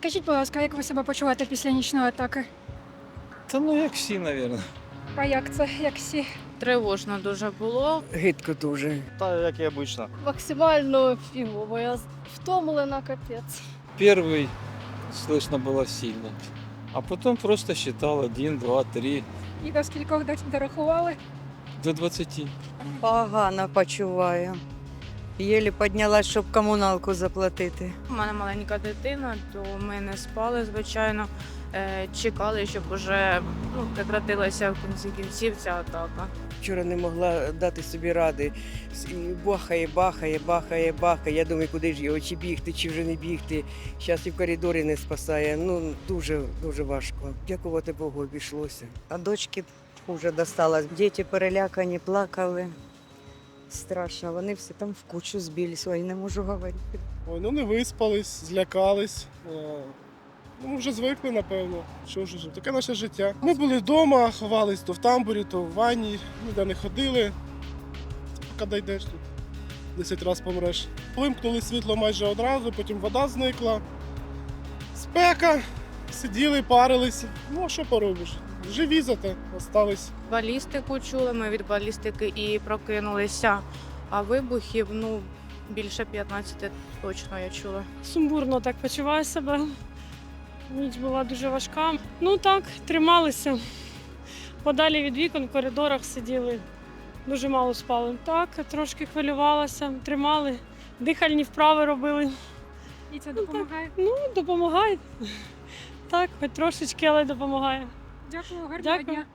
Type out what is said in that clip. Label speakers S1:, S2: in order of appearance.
S1: Скажіть, будь ласка, як ви себе почуваєте після нічної атаки?
S2: Та ну як всі, мабуть.
S1: А як це, як всі?
S3: Тривожно дуже було.
S4: Гидко дуже.
S2: Та як і обично.
S5: Максимально фігово. Я втомлена, капець.
S2: Перший слышно було сильно. А потім просто считал 1, 2, 3,
S1: І до скількох дорахували?
S2: до 20.
S4: Погано почуваю. Єлі піднялась, щоб комуналку заплатити.
S3: У мене маленька дитина, то ми не спали, звичайно. Чекали, щоб уже прекратилася в кінці кінців ця атака.
S4: Вчора не могла дати собі ради. І бахає, бахає, бахає, бахає. Я думаю, куди ж його, чи бігти, чи вже не бігти. Зараз і в коридорі не спасає. Ну, дуже, дуже важко. Дякувати Богу, обійшлося. А дочки вже досталось. Діти перелякані, плакали. Страшно, вони всі там в кучу збились, ой, не можу говорити.
S6: Ой, ну не виспались, злякались. Ну, вже звикли, напевно. Що вже, таке наше життя. Ми були вдома, ховались то в тамбурі, то в ванні, ніде не ходили. Поки дійдеш тут, 10 разів помреш. Вимкнули світло майже одразу, потім вода зникла. Спека, сиділи, парилися. Ну, а що поробиш? Живі зате остались.
S3: Балістику чули, ми від балістики і прокинулися. А вибухів, більше 15 точно я чула.
S5: Сумбурно так почуваю себе. Ніч була дуже важка. Ну так, трималися. Подалі від вікон в коридорах сиділи. Дуже мало спали. Так, трошки хвилювалася, тримали. Дихальні вправи робили.
S1: І це допомагає?
S5: Ну, допомагає. Так, хоч трошечки, але допомагає.
S1: Дякую, гарного
S5: Дякую.
S1: дня.